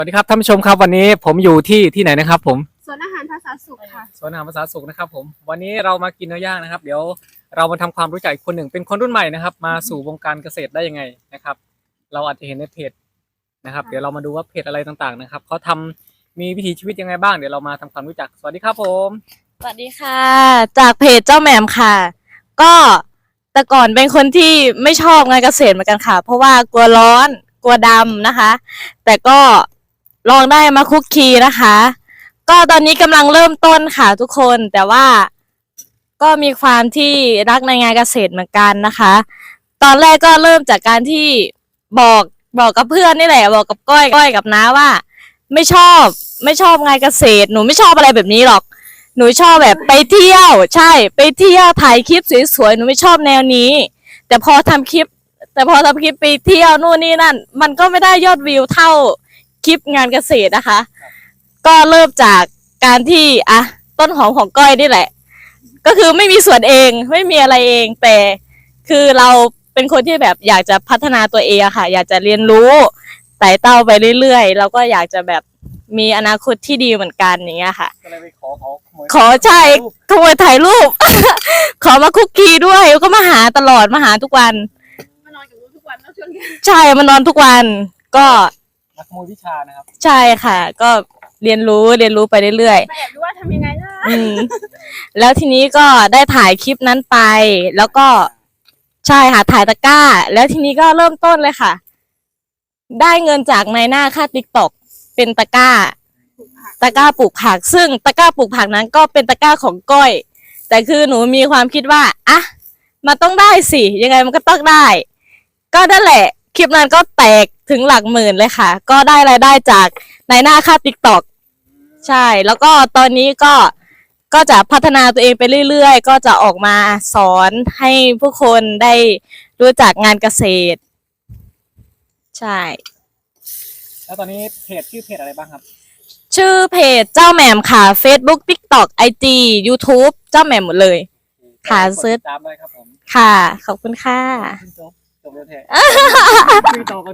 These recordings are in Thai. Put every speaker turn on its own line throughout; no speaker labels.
วัสดีครับท่านผู้ชมครับวันนี้ผมอยู่ที่ไหนนะครับผม
สวนอาหารภาษาสุขค่ะ
สวนอาหารภาษาสุขนะครับผมวันนี้เรามากินเนื้อย่างนะครับเดี๋ยวเรามาทำความรู้จักคนหนึ่งเป็นคนรุ่นใหม่นะครับมาสู่วงการเกษตรได้ยังไงนะครับเราอาจจะเห็นในเพจนะครับเดี๋ยวเรามาดูว่าเพจอะไรต่างๆนะครับเขาทำมีวิถีชีวิตยังไงบ้างเดี๋ยวเรามาทำความรู้จักสวัสดีครับผม
สวัสดีค่ะจากเพจเจ้าแหม่มค่ะก็แต่ก่อนเป็นคนที่ไม่ชอบงานเกษตรเหมือนกันค่ะเพราะว่ากลัวร้อนกลัวดำนะคะแต่ก็ลองได้มาคุกคีนะคะก็ตอนนี้กำลังเริ่มต้นค่ะทุกคนแต่ว่าก็มีความที่รักในงานเกษตรเหมือนกันนะคะตอนแรกก็เริ่มจากการที่บอกกับเพื่อนนี่แหละบอกกับก้อยกับน้าว่าไม่ชอบงานเกษตรหนูไม่ชอบอะไรแบบนี้หรอกหนูชอบแบบไปเที่ยวใช่ไปเที่ยวถ่ายคลิปสวยๆหนูไม่ชอบแนวนี้แต่พอทำคลิปไปเที่ยวนู่นนี่นั่นมันก็ไม่ได้ยอดวิวเท่าคลิปงานเกษตรนะคะก็เริ่มจากการที่ต้นหอมของก้อยนี่แหละก็คือไม่มีสวนเองไม่มีอะไรเองแต่คือเราเป็นคนที่แบบอยากจะพัฒนาตัวเองอะค่ะอยากจะเรียนรู้ไต่เต้าไปเรื่อยๆเราก็อยากจะแบบมีอนาคตที่ดีเหมือนกันอย่างเงี้ยค่ะ
ก็เลยไป
ขอใช่ขโมยถ่ายรูป ขอมาคุกคีด้วยก็มาหาตลอดมาหาทุกวัน
มานอนกับลูกทุกวันแล้วช่วงนี้
ใช่มานอนทุกวันก็
มาขโมยวิชานะครับ
ใช่ค่ะก็เรียนรู้ไปเรื่อย
แอบดูว่าทำยังไงนะ
แล้วทีนี้ก็ได้ถ่ายคลิปนั้นไปแล้วก็ใช่ค่ะถ่ายตะกร้าแล้วทีนี้ก็เริ่มต้นเลยค่ะได้เงินจากนายหน้าค่าTikTokเป็นตะกร้าปลูกผักซึ่งตะกร้าปลูกผักนั้นก็เป็นตะกร้าของก้อยแต่คือหนูมีความคิดว่ามันต้องได้สิยังไงมันก็ต้องได้ก็นั่นแหละคลิปนั้นก็แตกถึงหลักหมื่นเลยค่ะก็ได้รายได้จากนายหน้าค่าTikTokใช่แล้วก็ตอนนี้ก็จะพัฒนาตัวเองไปเรื่อยๆก็จะออกมาสอนให้ผู้คนได้รู้จักงานเกษตรใช่
แล้วตอนนี้เพจชื่อเพจอะไรบ้างครับ
ชื่อเพจเจ้าแหม่มค่ะ Facebook TikTok IG YouTube เจ้าแหม่มหมดเลยค่ะ
เซิร์ชตามได้ครับผม
ค่ะขอบคุณค่ะ
จบแล้วแท้คุยต่อกัน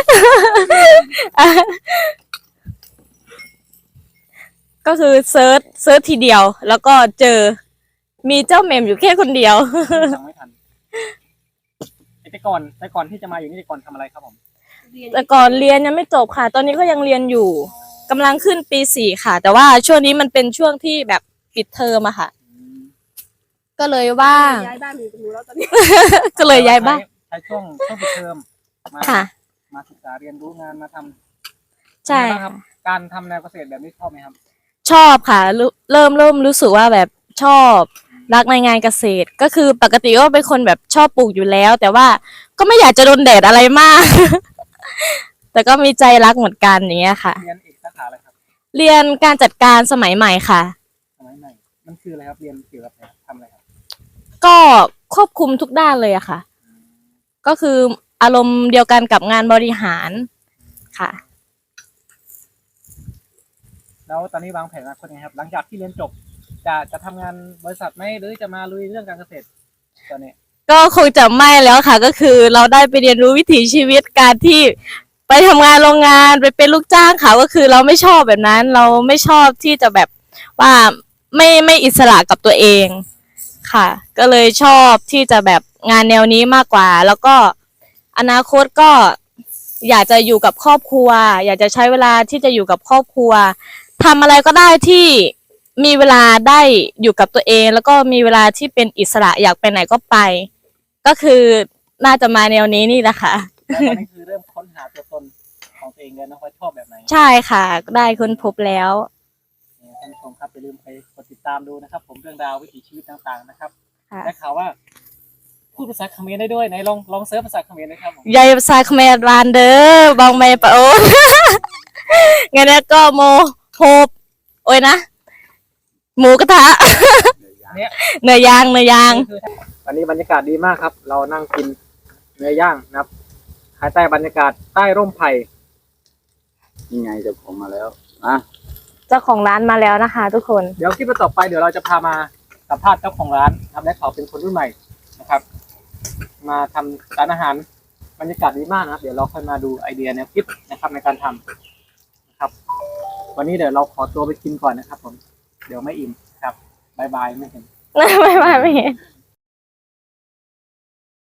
ก็คือเซิร์ชทีเดียวแล้วก็เจอมีเจ้าแหม่มอยู่แค่คนเดียว
ฟังไม่ทันแต่ก่อนที่จะมาอยู่นี่แต่ก่อนทำอะไรครับผม
แต่ก่อนเรียนยังไม่จบค่ะตอนนี้ก็ยังเรียนอยู่กำลังขึ้นปี4ค่ะแต่ว่าช่วงนี้มันเป็นช่วงที่แบบปิดเทอมอะค่ะก็เลยว่าง
ย้ายบ้านอยู่กับหนูแล้วตอนนี้
ก็เลยย้ายบ้าน
ใช้ช่วงปิดเทอมมาศึกษาเรียนรู้งานมาทำ
ใช่
ครับการทำแนวเกษตรแบบนี้ชอบไหมครับ
ชอบค่ะเริ่มรู้สึกว่าแบบชอบรักในงานเกษตรก็คือปกติก็เป็นคนแบบชอบปลูกอยู่แล้วแต่ว่าก็ไม่อยากจะโดนแดดอะไรมาก แต่ก็มีใจรักเหมือนกันอย่างเงี้ยค่ะ
เรียนเอกสาขาอะไรครับ
เรียนการจัดการสมัยใหม่ค่ะ
สมัยใหม่มันคืออะไรครับเรียนเกี่ยวกับอะไรทำอะไรครับ
ก็ควบคุมทุกด้านเลยอะค่ะก็คืออารมณ์เดียวกันกับงานบริหารค่ะ
แล้วตอนนี้วางแผนอนาคตยังไงครับหลังจากที่เรียนจบจะทำงานบริษัทไหมหรือจะมาลุยเรื่องการเกษตรตอนนี้
ก็คงจะไม่แล้วค่ะก็คือเราได้ไปเรียนรู้วิถีชีวิตการที่ไปทำงานโรงงานไปเป็นลูกจ้างค่ะก็คือเราไม่ชอบแบบนั้นเราไม่ชอบที่จะแบบว่าไม่อิสระกับตัวเองค่ะก็เลยชอบที่จะแบบงานแนวนี้มากกว่าแล้วก็อนาคตก็อยากจะอยู่กับครอบครัวอยากจะใช้เวลาที่จะอยู่กับครอบครัวทำอะไรก็ได้ที่มีเวลาได้อยู่กับตัวเองแล้วก็มีเวลาที่เป็นอิสระอยากไปไหนก็ไปก็คือน่าจะมาแนวนี้นี่แหละค่ะ
แล้วตอนนี้คือเริ่มค้นหาตัวตนของตัวเองแล้วนะว่าชอบแบบไหน
ใช่ค่ะได้ค้นพบแล้ว
ท่านผู้ชมครับอย่าลืมไปกดติดตามดูนะครับผมเรื่องราววิถีชีวิตต่างๆนะครับได้ข่าวว่าพูดภาษาเขมรได้ด้วยไหนลองเซิร์ชภาษาเขมรนะครับผม
ยายภาษาเขมรบานเด้อบองไม่ปะโอนงั้นก็โมโฮบโอ้ยนะหมูกระทะเนื้อย่าง
วันนี้บรรยากาศดีมากครับเรานั่งกินเนื้อย่างนะครับภายใต้บรรยากาศใต้ร่มไผ่
นี่ไงเจ้าของมาแล้ว
เจ้าของร้านมาแล้วนะคะทุกคน
เดี๋ยวคลิปต่อไปเดี๋ยวเราจะพามาสัมภาษณ์เจ้าของร้านครับและเขาเป็นคนรุ่นใหม่นะครับมาทำร้านอาหารบรรยากาศดีมากนะครับเดี๋ยวเราค่อยมาดูไอเดียแนวคิดนะครับในการทำครับ วันนี้เดี๋ยวเราขอตัวไปกินก่อนนะครับผมเดี๋ยวไม่อิ่มครับบายบายไม่เห็น
ไม่เห็น